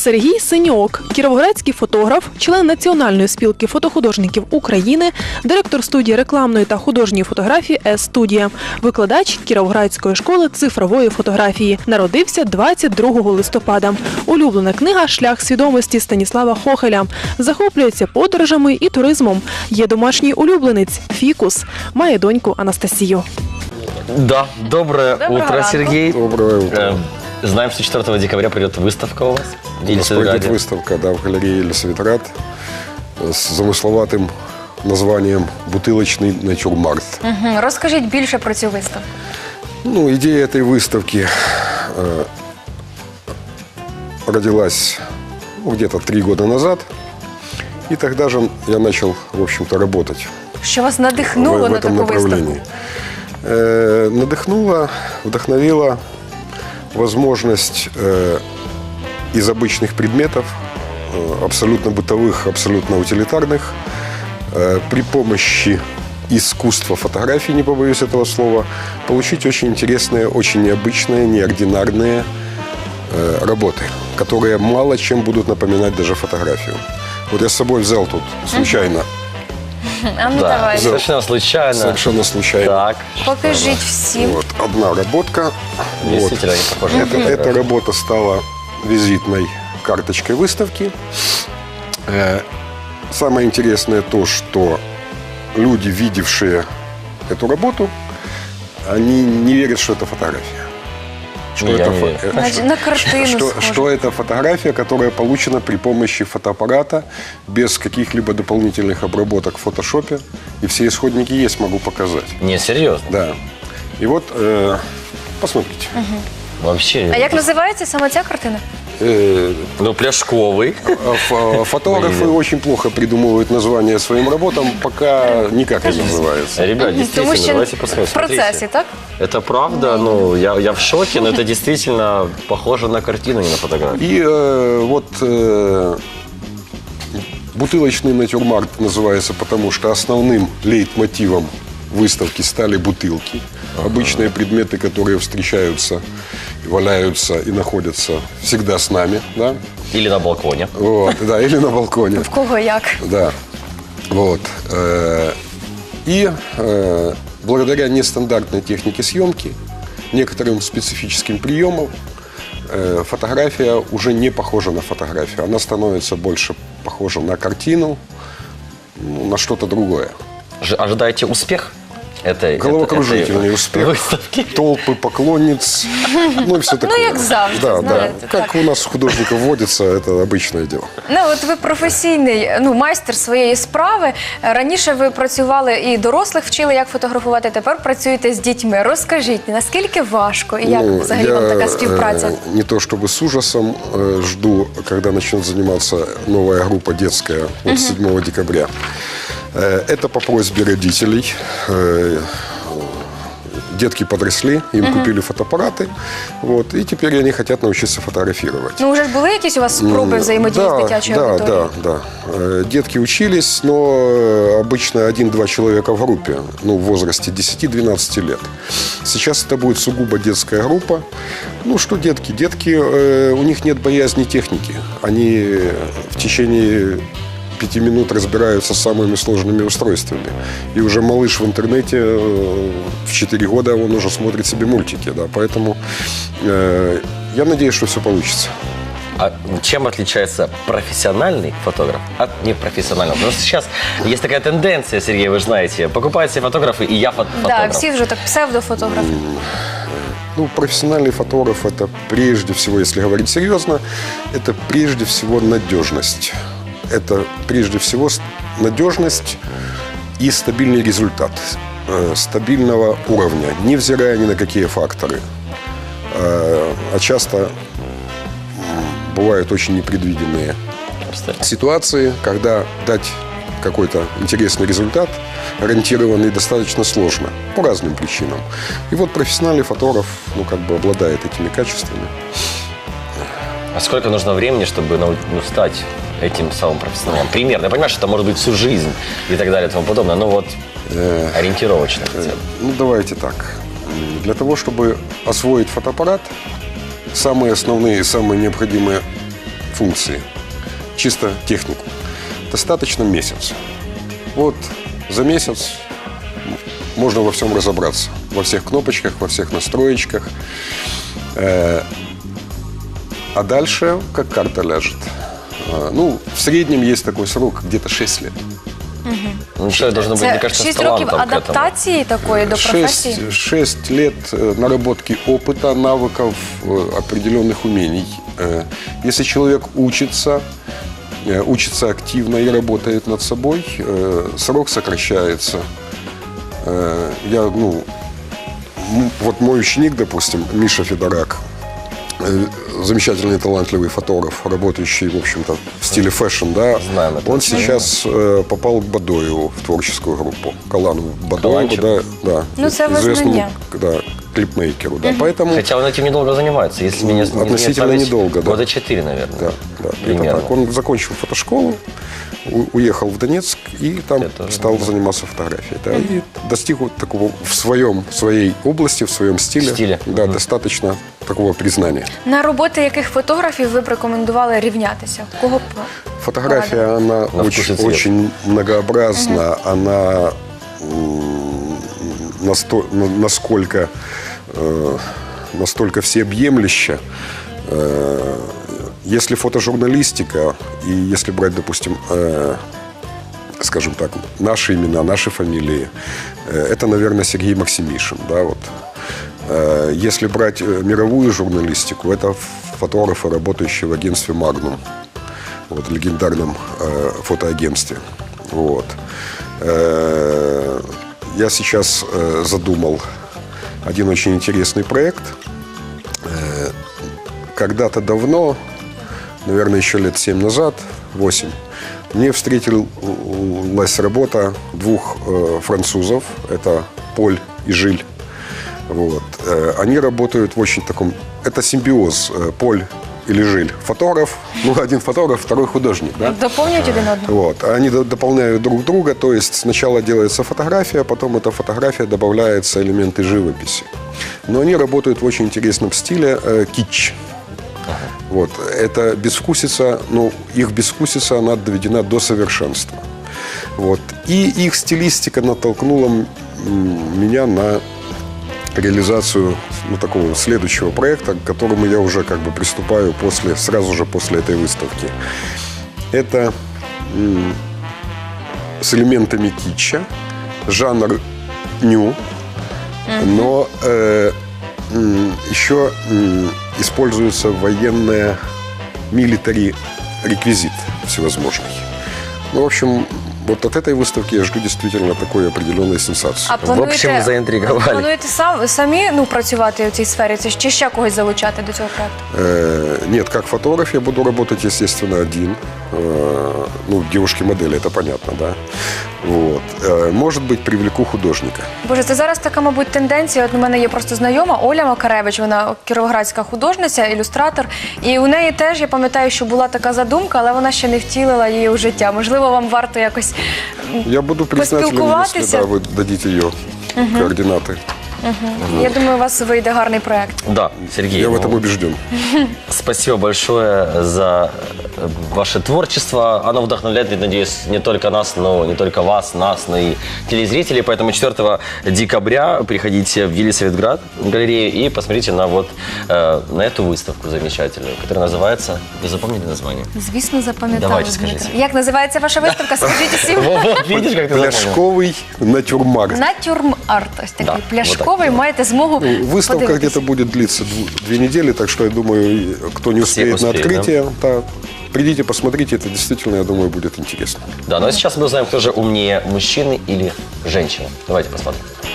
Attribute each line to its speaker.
Speaker 1: Сергій Синьок – кіровоградський фотограф, член Національної спілки фотохудожників України, директор студії рекламної та художньої фотографії «С-студія», викладач Кіровоградської школи цифрової фотографії. Народився 22 листопада. Улюблена книга «Шлях свідомості» Станіслава Хохеля. Захоплюється подорожами і туризмом. Є домашній улюбленець – фікус. Має доньку Анастасію.
Speaker 2: Да, доброе утро, Сергей.
Speaker 3: Доброе утро.
Speaker 2: Знаем, что 4 декабря придет выставка у вас.
Speaker 3: У нас пройдет выставка, да, в галерее Елисаветград с замысловатым названием «Бутылочный натюрморт».
Speaker 4: Розкажіть більше про цю виставку.
Speaker 3: Ну, идея этой выставки родилась где-то 3 года назад. И тогда же я начал, в общем-то, работать
Speaker 4: Що вас надихнуло
Speaker 3: в
Speaker 4: на
Speaker 3: этом
Speaker 4: таку виставку?
Speaker 3: направлении. Надохнула, вдохновила возможность из обычных предметов, абсолютно бытовых, абсолютно утилитарных, при помощи искусства фотографии, не побоюсь этого слова, получить очень интересные, очень необычные, неординарные работы, которые мало чем будут напоминать даже фотографию. Вот я с собой взял тут случайно.
Speaker 4: А ну
Speaker 2: Да,
Speaker 4: давай.
Speaker 2: совершенно случайно.
Speaker 3: Совершенно случайно.
Speaker 2: Так.
Speaker 4: Покажіть всім.
Speaker 3: Вот, одна работка.
Speaker 2: Действительно, не похоже на
Speaker 3: Эта
Speaker 2: фотографию.
Speaker 3: работа стала визитной карточкой выставки. Самое интересное то, что люди, видевшие эту работу, они не верят, что это фотография. Что
Speaker 2: Я
Speaker 3: это
Speaker 2: не верю.
Speaker 4: Значить, на картину схоже.
Speaker 3: что это фотография, которая получена при помощи фотоаппарата, без каких-либо дополнительных обработок в фотошопе. И все исходники есть, могу показать.
Speaker 2: Не, серьезно.
Speaker 3: Да. И вот, посмотрите.
Speaker 2: Вообще.
Speaker 4: А як називається саме ця картина?
Speaker 2: Ну, пляшковый.
Speaker 3: Фотографы очень плохо придумывают названия своим работам, пока никак не называется.
Speaker 2: Ребят,
Speaker 4: Тому
Speaker 2: действительно,
Speaker 4: що
Speaker 2: давайте посмотрим.
Speaker 4: в процесі,
Speaker 2: Смотрите.
Speaker 4: так?
Speaker 2: Это правда, ну, я в шоке, но это действительно похоже на картину, не на фотографию.
Speaker 3: И бутылочный натюрморт называется, потому что основным лейтмотивом выставки стали бутылки. Обычные предметы, которые встречаются, валяются и находятся всегда с нами. Да?
Speaker 2: Или на балконе.
Speaker 3: Вот, да, или на балконе.
Speaker 4: В кого як?
Speaker 3: Да. Вот. И благодаря нестандартной технике съемки, некоторым специфическим приемам, фотография уже не похожа на фотографию. Она становится больше похожа на картину, на что-то другое.
Speaker 2: Ожидаете успех этой
Speaker 3: Головокружительный успех.
Speaker 2: выставки?
Speaker 3: Толпы поклонниц, ну и все такое.
Speaker 4: як завжди,
Speaker 3: Да, да.
Speaker 4: знаете,
Speaker 3: Как у нас художников водится, это обычное дело.
Speaker 4: Ну, от ви професійний майстер своєї справи. Раніше ви працювали і дорослих вчили, як фотографувати, тепер працюєте з дітьми. Розкажіть, наскільки важко і як взагалі вам така співпраця?
Speaker 3: Не то чтобы с ужасом жду, когда начнет заниматься новая группа детская вот 7 декабря. Это по просьбе родителей. Детки подросли, им купили фотоаппараты, вот, и теперь они хотят научиться фотографировать.
Speaker 4: Ну, вже ж були якісь у вас спроби взаємодії з дитячою аудиторією?
Speaker 3: Да. Детки учились, но обычно 1-2 человека в группе, ну, в возрасте 10-12 лет. Сейчас это будет сугубо детская группа. Ну, что детки? Детки, у них нет боязни техники. Они в течение 5 минут разбираются с самыми сложными устройствами. И уже малыш в интернете в 4 года он уже смотрит себе мультики. Да, поэтому я надеюсь, что все получится.
Speaker 2: А чем отличается профессиональный фотограф от непрофессионального? Потому что сейчас есть такая тенденция, Сергей, вы же знаете, покупают все фотографы, и я фотограф.
Speaker 4: Так, всі вже так псевдофотографи.
Speaker 3: Ну, профессиональный фотограф – это прежде всего, если говорить серьезно, это прежде всего надежность. Это прежде всего надежность и стабильный результат стабильного уровня, невзирая ни на какие факторы. А часто бывают очень непредвиденные ситуации, когда дать какой-то интересный результат, гарантированный, достаточно сложно по разным причинам. И вот профессиональный фотограф, ну, как бы обладает этими качествами.
Speaker 2: А сколько нужно времени, чтобы стать этим самым профессионалом? Примерно. Я понимаю, что это может быть всю жизнь и так далее и тому подобное, но вот ориентировочно хотя бы.
Speaker 3: Ну, давайте так. Для того, чтобы освоить фотоаппарат, самые основные и самые необходимые функции, чисто технику, достаточно месяц. Вот за месяц можно во всем разобраться. Во всех кнопочках, во всех настроечках. А дальше как карта ляжет. Ну, в среднем есть такой срок, где-то 6 лет.
Speaker 2: Ну, человек должен быть, мне
Speaker 4: Це
Speaker 2: кажется,
Speaker 4: 6
Speaker 2: с
Speaker 4: років
Speaker 2: талантом к этому.
Speaker 4: адаптації такої до професії?
Speaker 3: 6 лет наработки опыта, навыков, определенных умений. Если человек учится активно и работает над собой, срок сокращается. Вот мой ученик, допустим, Миша Федорак, замечательный, талантливый фотограф, работающий, в общем-то, в стиле фэшн, да.
Speaker 2: Знаем это.
Speaker 3: Он сейчас попал к Бадоеву в творческую группу. Калану Бадоеву, да.
Speaker 4: Ну, це
Speaker 3: известному,
Speaker 4: визнання.
Speaker 3: да, клипмейкеру, да. Поэтому,
Speaker 2: Хотя он этим недолго занимается. Если меня не
Speaker 3: Относительно
Speaker 2: память,
Speaker 3: недолго, да.
Speaker 2: Года 4, наверное.
Speaker 3: да, где-то
Speaker 2: Примерно.
Speaker 3: так. Он закончил фотошколу, уехал в Донецк и там
Speaker 2: Я тоже
Speaker 3: стал заниматься фотографией. Да, и достиг вот такого в своей области, в своем стиле, да, достаточно такого признания.
Speaker 4: На роботи яких фотографів ви б рекомендували рівнятися? Кого б?
Speaker 3: Фотография, она
Speaker 2: На вкус и цвет.
Speaker 3: очень многообразна, она настолько всеобъемлюща. Если фотожурналистика, и если брать, допустим, скажем так, наши имена, наши фамилии, это, наверное, Сергей Максимишин, да, вот. Если брать мировую журналистику, это фотографы, работающие в агентстве «Магнум», вот, легендарном фотоагентстве. Вот. Я сейчас задумал один очень интересный проект. Когда-то давно, наверное, еще лет 7 назад, 8, мне встретилась работа 2 французов. Это Поль и Жиль. Вот. Они работают в очень таком... Это симбиоз Поль или Жиль. Фотограф, один фотограф, второй художник. Да?
Speaker 4: Доповнюють один одного?
Speaker 3: Вот. Они дополняют друг друга, то есть сначала делается фотография, потом эта фотография добавляются элементы живописи. Но они работают в очень интересном стиле китч. Вот. Это безвкусица, их безвкусица, она доведена до совершенства. Вот. И их стилистика натолкнула меня на реализацию такого следующего проекта, к которому я уже приступаю сразу же после этой выставки. Это с элементами китча, жанр ню, но еще используется военная милитари реквизит всевозможный. В общем, вот от этой выставки я жду действительно такой определенной сенсации.
Speaker 4: А
Speaker 2: В общем, заінтригували.
Speaker 4: Плануєте самі працювати у цій сфері, чи ще когось залучати до цього проекту?
Speaker 3: Нет, как фотограф я буду работать, естественно, один. Девушки-модели, это понятно, да. Вот. Может быть, привлеку художника.
Speaker 4: Боже, це зараз така, мабуть, тенденція. От у мене є просто знайома Оля Макаревич, вона кіровоградська художниця, ілюстратор. І у неї теж, я пам'ятаю, що була така задумка, але вона ще не втілила її у життя. Можливо, вам варто якось
Speaker 3: Я буду признателен, если вы дадите ее координаты.
Speaker 4: Я думаю, у вас вийде гарний проект.
Speaker 2: Да, Сергей.
Speaker 3: Я в этом убежден.
Speaker 2: Спасибо большое за ваше творчество. Оно вдохновляет, надеюсь, не только нас, но не только вас, нас, но и телезрителей. Поэтому 4 декабря приходите в Елисаветград, в галерею, и посмотрите на эту выставку замечательную, которая называется... Вы запомнили название?
Speaker 4: Звісно, запам'ятали.
Speaker 2: Давайте, скажіть.
Speaker 4: Як називається ваша виставка? Скажіть усім.
Speaker 2: Вот, видишь, как ты запомнил?
Speaker 3: Пляшковый натюрморт.
Speaker 4: Натюрморт. Ось такий
Speaker 2: Да,
Speaker 4: пляшковий. Маєте змогу
Speaker 3: Выставка
Speaker 4: подивитися.
Speaker 3: где-то будет длиться 2 недели, так что я думаю, кто не успеет на
Speaker 2: успеют,
Speaker 3: открытие, придите, посмотрите, это действительно, я думаю, будет интересно.
Speaker 2: Да, ну а сейчас мы узнаем, кто же умнее, мужчины или женщины. Давайте посмотрим.